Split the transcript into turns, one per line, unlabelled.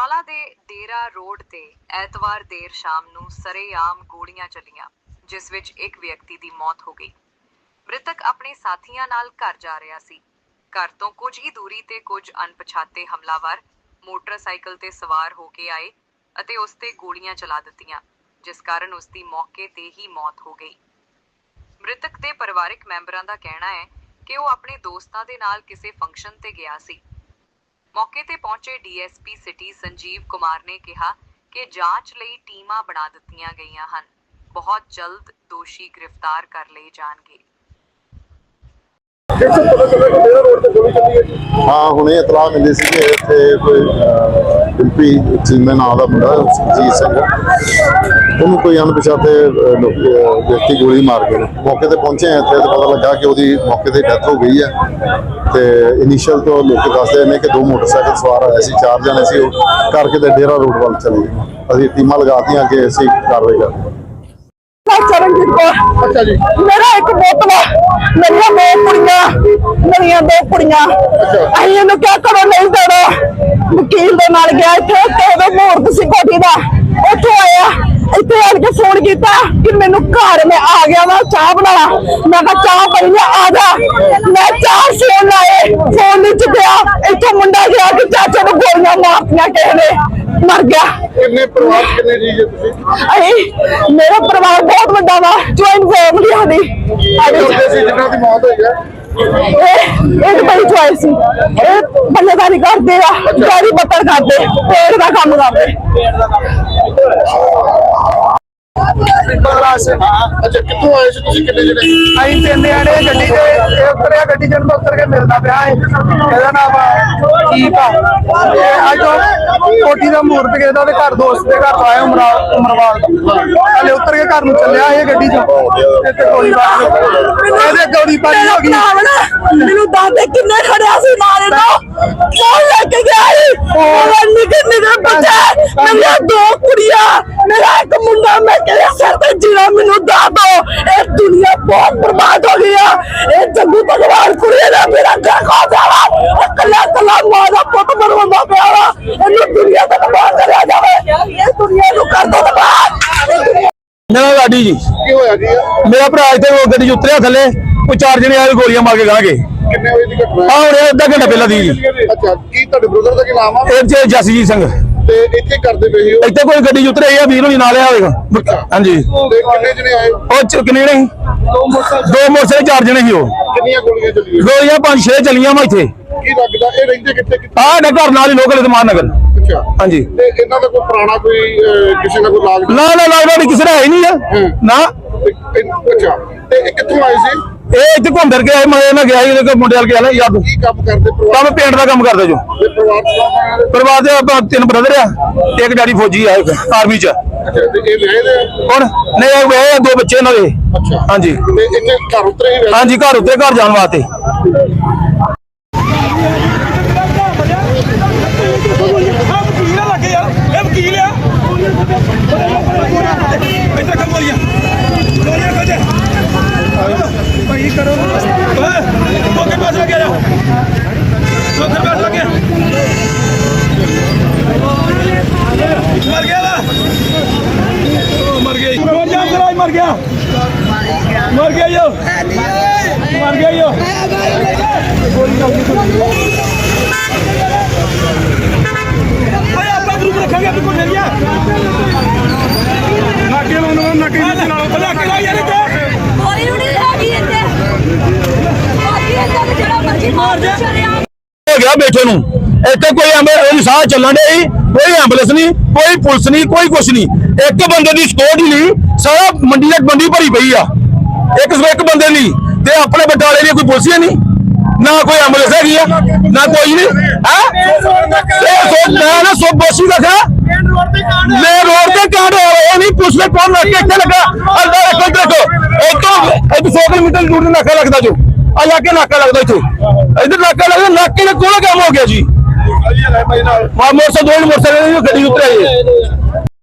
बरनाला दे डेरा road ते ऐतवार देर शाम नूं सरेआम गोलियां चलियां, जिस विच एक व्यक्ति दी मौत हो गई। मृतक अपने साथियां नाल घर जा रहा सी। घर तो कुछ ही दूरी ते कुछ अनपछाते हमलावर मोटरसाइकिल ते सवार होके आए अते उस ते गोलियां चला दित्तियां, जिस कारण उसकी मौके ते ही मौत हो गई। मृतक दे परिवारिक मैंबरां दा कहना है कि वो अपने दोस्तां दे नाल किसी फंक्शन ते गया सी। मौके ते पहुंचे डीएसपी सिटी संजीव कुमार ने कहा कि जांच लई टीमां बना दित्तियां गईयां हन, बहुत जल्द दोषी गिरफ्तार कर लए जाणगे।
हाँ हुणे इतला मिली सी कि इत्थे कोई डिंपी चीमे नाम का मुंडा सुरजीत सिंह उन्होंने कोई अनपछाते व्यक्ति गोली मार गए। मौके पर पहुंचे हैं इत्थे तो पता लगा कि उसकी मौके पर डेथ हो गई है। तो इनिशियल तो लोग दसते हैं कि 2 मोटरसाइकिल सवार आए सी, 4 जने सी करके तो डेरा रोड वाल चले गए। अभी टीमां लगातियां कि असीं कार्रवाई करते हैं।
चरणजीत कौर। अच्छा जी। मेरा एक बोतला मेरिया 2 कुड़ियां मेरिया 2 कुड़ियां असीं इहनूं क्या करो नहीं देना। वकील दे नाल गया इत्थे ते मुहूर्त सी कोठी दा, उत्थों आया इत्थे आण के फोन किया कि मैनू घर में आ गया वा चाह बना। मैं कहा चाह बनी है आ जा। मैं 4 फोन लाए, फोन नहीं चुकया। इत्थों मुंडा गया कि चाचा ने गोलियां मारतियां किसी ने, मर गया।
कितने परिवार कितने जी जे तुसीं?
मेरा परिवार बहुत बड़ा वा, ज्वाइंट फैमिली साडी।
जिन्हां दी मौत होई है
एक बड़ी चॉइस सी, बल्लेदारी करते आ, गाड़ी बत्तर करते, पेड़ का काम करते।
अच्छा कित्थों आए सी तुसीं? कितने जने?
ਅਸੀਂ 3 जने ਗੱਡੀ ਤੇ ਉਤਰਿਆ, ਗੱਡੀ ਜਨ ਉਤਰ ਕੇ ਮਿਲਦਾ ਪਿਆ ਹੈ। ਇਹਦਾ ਨਾਮ ਕੀਪ ਆ। ਅੱਜ ਕੋਠੀ ਦਾ ਮੂਰਤ ਕਿਸੇ ਦਾ ਘਰ ਦੋਸਤ ਦੇ ਘਰ ਆਇਆ ਉਮਰਵਾਲ ਹਲੇ ਉਤਰ ਕੇ ਘਰ ਨੂੰ ਚੱਲਿਆ ਇਹ ਗੱਡੀ ਚੋਂ ਇੱਥੇ ਗੋਲੀਬਾਰੀ ਇਹਦੇ ਗੋਲੀਬਾਰੀ ਹੋ ਗਈ।
ਮੈਨੂੰ ਦਾਦੇ ਕਿੰਨੇ ਖੜਿਆ ਸੀ ਨਾਲੇ ਤੋਂ ਫੋਨ ਲੈ ਕੇ ਗਿਆ ਸੀ। ਨਿੱਕੇ ਨਿੱਕੇ ਬੱਚੇ, ਮੇਰੀਆਂ 2 ਕੁੜੀਆਂ, ਮੇਰਾ ਇੱਕ ਮੁੰਡਾ। मैं कहया सर ते जीना मैनू दस दो। ये दुनिया बहुत बर्बाद हो गई है। ये जग्गू भगवान कुड़ी ने मेरा घर खा दिया। कला कला मां दा पुत मरवांदा पिया वा। इन्नू दुनिया तक बाहर करया जावे। ये दुनिया नू कर दो तबाह।
मेरा गाड़ी जी
की होया जी?
मेरा भरा इत्थे गड्डी उतरिया थले, कोई 4 जने आए गोलियां मार के गाह गए।
कितने बजे दी घटना है?
हाँ हुणे अद्धा घंटा पहला दी जी।
अच्छा की ਤੁਹਾਡੇ ਬ੍ਰਦਰ ਦਾ ਕੀ ਨਾਮ ਆ?
ਇਹ ਜਸਜੀਤ ਸਿੰਘ।
ਤੇ ਇੱਥੇ ਕਰਦੇ ਪਏ ਸੀ ਉਹ?
ਇੱਥੇ ਕੋਈ ਗੱਡੀ ਉਤਰੇ ਆ ਵੀਰ ਹੋਣੀ ਨਾਲ ਆਵੇਗਾ। ਹਾਂਜੀ
ਤੇ ਕਿੰਨੇ ਜਣੇ ਆਏ?
ਉਹ ਕਿੰਨੇ ਨੇ? 2 ਮੋਟਰਸਾਈਕਲ 4 ਜਣੇ ਸੀ। ਉਹ
ਕਿੰਨੀਆਂ ਗੋਲੀਆਂ ਚੱਲੀਆਂ?
ਗੋਲੀਆਂ 5-6 ਚੱਲੀਆਂ ਵਾ ਇੱਥੇ।
ਕੀ ਲੱਗਦਾ ਇਹ ਰਹਿੰਦੇ ਕਿੱਥੇ?
ਆਹ ਨਾ ਘਰ ਨਾਲ ਹੀ ਲੋਕਲ ਇਤਮਾਨ ਨਗਰ।
ਅੱਛਾ
ਹਾਂਜੀ।
ਤੇ ਇਹਨਾਂ ਦਾ ਕੋਈ ਪੁਰਾਣਾ ਕੋਈ ਕਿਸੇ ਦਾ ਕੋਈ ਲਾਗ?
ਨਾ ਲੱਗਦਾ ਨਹੀਂ, ਕਿਸੇ ਦਾ ਹੈ ਨਹੀਂ ਆ ਨਾ।
ਅੱਛਾ ਤੇ ਇਹ ਕਿੱਥੋਂ ਆਏ ਸੀ?
ਇਹ ਇੱਥੇ ਘੁੰਮ ਫਿਰ ਕੇ ਆਏ। ਮੈਂ ਨਾ ਗਿਆ ਸੀ ਮੁੰਡੇ ਵਾਲ ਗਿਆ ਯਾਦ।
ਕੀ ਕੰਮ ਕਰਦੇ ਪਰਿਵਾਰ?
ਕੰਮ ਪੇਂਟ ਦਾ ਕੰਮ ਕਰਦਾ ਜੋ। ਪਰਿਵਾਰ ਦੇ ਆਪਾਂ 3 ਬ੍ਰਦਰ ਆ, ਇੱਕ ਡੈਡੀ ਫੌਜੀ ਆ ਆਰਮੀ ਚ।
ਅੱਛਾ ਤੇ ਇਹ ਵਿਆਹੇ ਦੇ?
ਹੁਣ ਨਹੀਂ ਇਹ 2 ਬੱਚੇ ਇਹਨਾਂ ਦੇ।
ਅੱਛਾ
ਹਾਂਜੀ।
ਤੇ ਇੱਥੇ ਘਰ ਉਤਰੇ ਹੀ?
ਹਾਂਜੀ ਘਰ ਉੱਤੇ ਘਰ ਜਾਣ ਵਾਸਤੇ।
भाई करो ओके पास लगे जा ओके पास लगे मर गया ना मर गया मर गया मर गया यो मर गया यो भाई आपका ग्रुप रखेंगे आपको ले लिया नाके लाओ नाके नाके लाओ यार
हो गया बैठे नू इतने कोई साह चलन डे, कोई एंबुलेंस नहीं, कोई पुलिस नहीं, कोई कुछ नहीं। एक बंदे की स्कोर ही नहीं, सारा मंडी तक मंडी भरी पई आ। एक बंदे नहीं ते अपने बटाले लिए कोई पुलिस ही नहीं, ना कोई एंबुलेंस है ना कोई नहीं है। ना सो बोसी रखा मैं रोड से कांड हो रहा नहीं, पुलिस में कौन रख के लगा? देखो 100 किलोमीटर दूर नाका लगता जो इलाके नाका लगता इतने इधर नाका लगता नाके ने कोला काम हो गया जी। मोटरसाइकिल 2 मोटरसाइकिल गड्डी उतरे